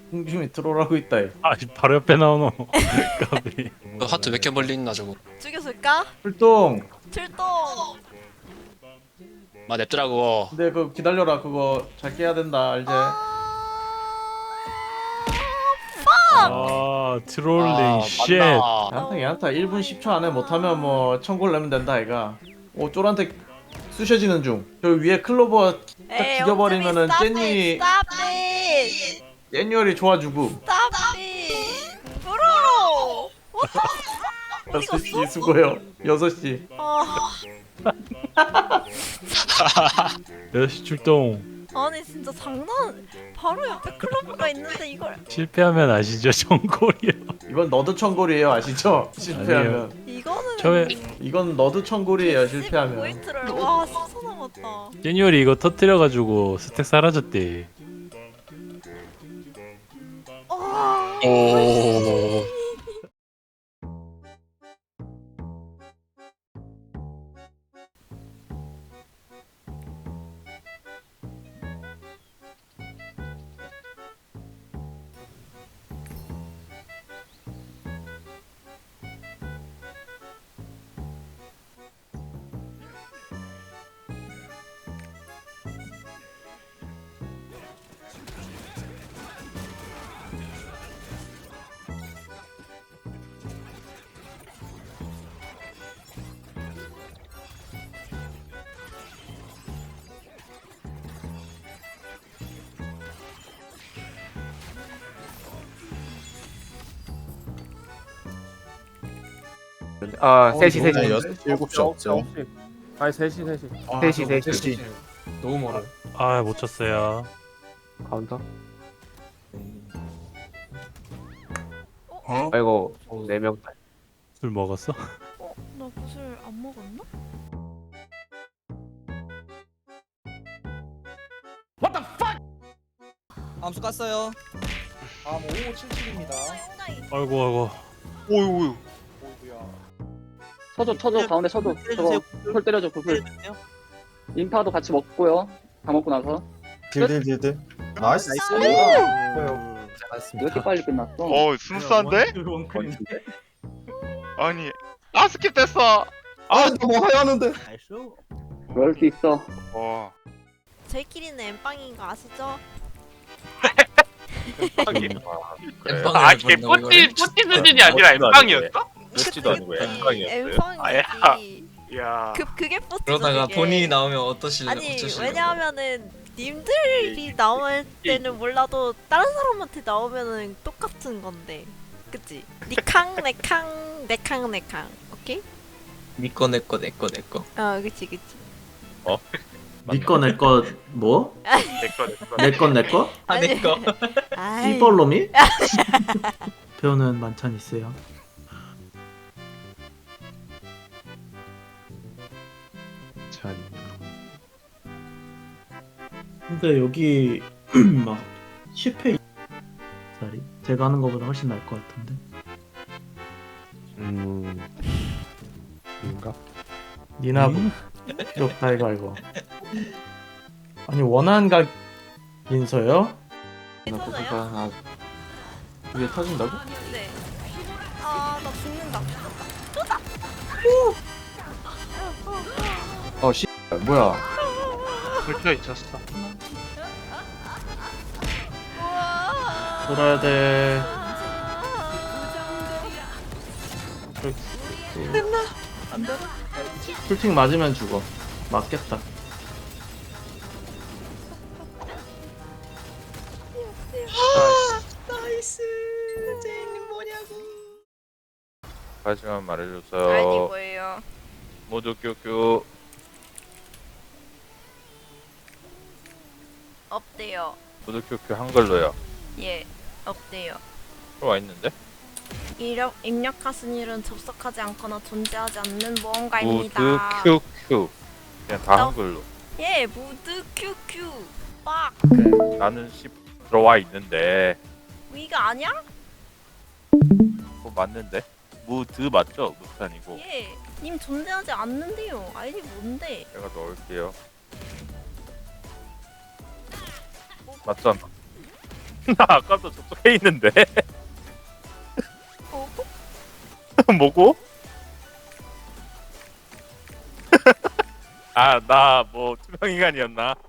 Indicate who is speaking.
Speaker 1: 홍중이 트롤하고 있다. 얘.
Speaker 2: 아 바로 옆에 나오노. 까비.
Speaker 3: 하트 몇 개 멀리 있나 저거.
Speaker 4: 죽였을까?
Speaker 1: 출동.
Speaker 4: 출동.
Speaker 3: 마 냅더라고.
Speaker 1: 근데 그거 기다려라. 그거 잘 깨야 된다. 알지?
Speaker 2: 아 트롤링 쉣.
Speaker 1: 야한타 야한타 1분 10초 안에 못하면 뭐 청구를 내면 된다 얘가. 오 쫄한테 쑤셔지는 중. 저 위에 클로버 딱 죽여버리면은 젠니 젠니얼이 좋아주고.
Speaker 4: Stop it. 브로로. 어디
Speaker 1: 6시
Speaker 4: 갔어?
Speaker 1: 수고해요. 6시.
Speaker 4: 아,
Speaker 2: 6시 출동.
Speaker 4: 아니 진짜 장난. 바로 옆에 클로버가 있는데 이걸.
Speaker 2: 실패하면 아시죠? 정골이요.
Speaker 1: 이건 너드 청골이에요. 아시죠? 실패하면.
Speaker 4: 이거는.
Speaker 2: 저의
Speaker 1: 이건 너드 청골이에요. 실패하면.
Speaker 4: 포인트를 와 써서 남았다.
Speaker 2: 제니얼이 이거 터뜨려가지고 스택 사라졌대.
Speaker 3: 오.
Speaker 5: 아, 3시, 3시.
Speaker 1: 너무
Speaker 6: 7시 없죠.
Speaker 5: 아니, 3시, 3시.
Speaker 6: 아,
Speaker 5: 3시,
Speaker 6: 저거
Speaker 5: 3시.
Speaker 6: 너무 멀어.
Speaker 2: 아 못 쳤어요.
Speaker 5: 카운터.
Speaker 6: 어?
Speaker 5: 아이고, 4명.
Speaker 2: 술 먹었어?
Speaker 4: 나 구슬 안 먹었나?
Speaker 7: 암수 깠어요.
Speaker 6: 아, 5577입니다.
Speaker 2: 아이고.
Speaker 3: 오유.
Speaker 6: 오이구야.
Speaker 8: 쳐줘 가운데 쳐줘 저거 풀 때려줘 풀 인파도 같이 먹고요 다 먹고 나서
Speaker 6: 딜. 나이스.
Speaker 8: 왜 이렇게 빨리 끝났어?
Speaker 9: 스무스한데?
Speaker 1: 원클인데?
Speaker 9: 아니 스킵됐어.
Speaker 6: 아, 너무 하야하는데.
Speaker 8: 그럴 수 있어.
Speaker 9: 와.
Speaker 4: 저희끼리는 엠빵인 거 아시죠?
Speaker 3: 아니
Speaker 9: 뿌띠 수준이 아니라 엠빵이었어?
Speaker 3: 뽀찌도 아니고
Speaker 4: 엠빵이지.
Speaker 9: 이야.
Speaker 4: 그게 뽀찌죠.
Speaker 7: 그러다가
Speaker 4: 그게.
Speaker 7: 본인이 나오면 어떠실래?
Speaker 4: 아니 왜냐하면은 님들이 나올 때는 몰라도 다른 사람한테 나오면은 똑같은 건데, 그치? 니캉 내캉 내캉 내캉. 오케이?
Speaker 7: 니꺼 내꺼 내꺼 내꺼.
Speaker 4: 그치.
Speaker 1: 니꺼 내꺼 뭐? 내꺼 내꺼?
Speaker 7: 아 내꺼.
Speaker 4: 아이.
Speaker 1: 씨벌놈이? 배우는 만찬 있어요. 근데 여기 막 10회 짜리 제가 하는 거보다 훨씬 나을 것 같은데.
Speaker 5: 인가?
Speaker 1: 니나부 귀엽다 이거. 아니 원한각 인서요?
Speaker 4: 괜찮아요?
Speaker 1: 이게 터진다고?
Speaker 4: 네. 나 죽는다.
Speaker 1: 씨 뭐야?
Speaker 9: 긁혀 있었어.
Speaker 1: 돌아야 돼. 풀팅 맞으면 죽어. 맞겠다.
Speaker 7: 나이스. 제이님 뭐냐고.
Speaker 9: 하지만 말해줬어요.
Speaker 4: 아니 뭐예요?
Speaker 9: 모두 큐큐.
Speaker 4: 없대요.
Speaker 9: 모두 큐큐 한글로요.
Speaker 4: 예, 없대요.
Speaker 9: 들어와 있는데?
Speaker 4: 입력하 순위는 접속하지 않거나 존재하지 않는
Speaker 9: 모두
Speaker 4: 무언가입니다.
Speaker 9: 큐큐. 그냥 다
Speaker 4: 너-
Speaker 9: 한글로.
Speaker 4: 예, 무드 큐큐. 빡.
Speaker 9: 나는 10 들어와 있는데.
Speaker 4: 위가 아니야?
Speaker 9: 그거 맞는데? 무드 맞죠? 무드 아니고.
Speaker 4: 예. 님 존재하지 않는데요. 아이디 뭔데?
Speaker 9: 제가 넣을게요. 맞잖아. 나 아까도 저쪽에 있는데.
Speaker 4: 어?
Speaker 9: 뭐고? 아, 나 뭐 투명 인간이었나?